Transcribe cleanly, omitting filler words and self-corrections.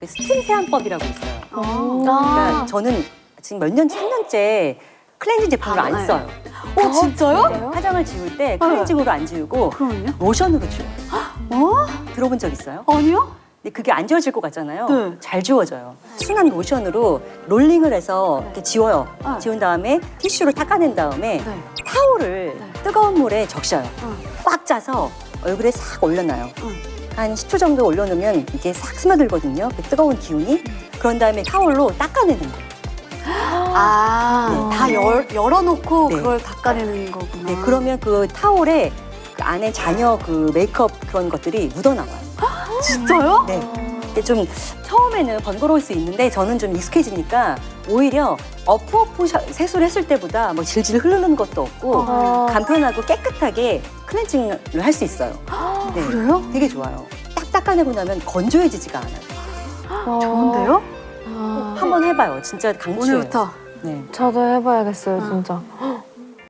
스팀 세안법이라고 있어요. 아. 그러니까 저는 지금 몇 년, 3년째 클렌징 제품을 안 써요. 진짜요? 화장을 지울 때 클렌징으로 안 지우고 그럼요? 로션으로 지워요. 어? 들어본 적 있어요? 아니요? 근데 그게 안 지워질 것 같잖아요. 네. 잘 지워져요. 순한 로션으로 롤링을 해서 이렇게 지워요. 네. 지운 다음에 티슈로 닦아낸 다음에 네. 타올을 뜨거운 물에 적셔요. 응. 꽉 짜서 얼굴에 싹 올려놔요. 응. 한 10초 정도 올려놓으면 이게 싹 스며들거든요. 그 뜨거운 기운이. 그런 다음에 타올로 닦아내는 거예요. 다 열어놓고 네. 그걸 닦아내는 거구나. 네, 그러면 그 타올에 그 안에 잔여 그 메이크업 그런 것들이 묻어나와요. 진짜요? 네. 근데 좀 처음에는 번거로울 수 있는데 저는 좀 익숙해지니까 오히려 어프 세수를 했을 때보다 뭐 질질 흐르는 것도 없고 간편하고 깨끗하게 클렌징을 할 수 있어요. 네. 그래요? 되게 좋아요. 딱 닦아내고 나면 건조해지지가 않아요. 좋은데요? 한번 해봐요. 진짜 강추예요. 오늘부터. 네. 저도 해봐야겠어요, 진짜.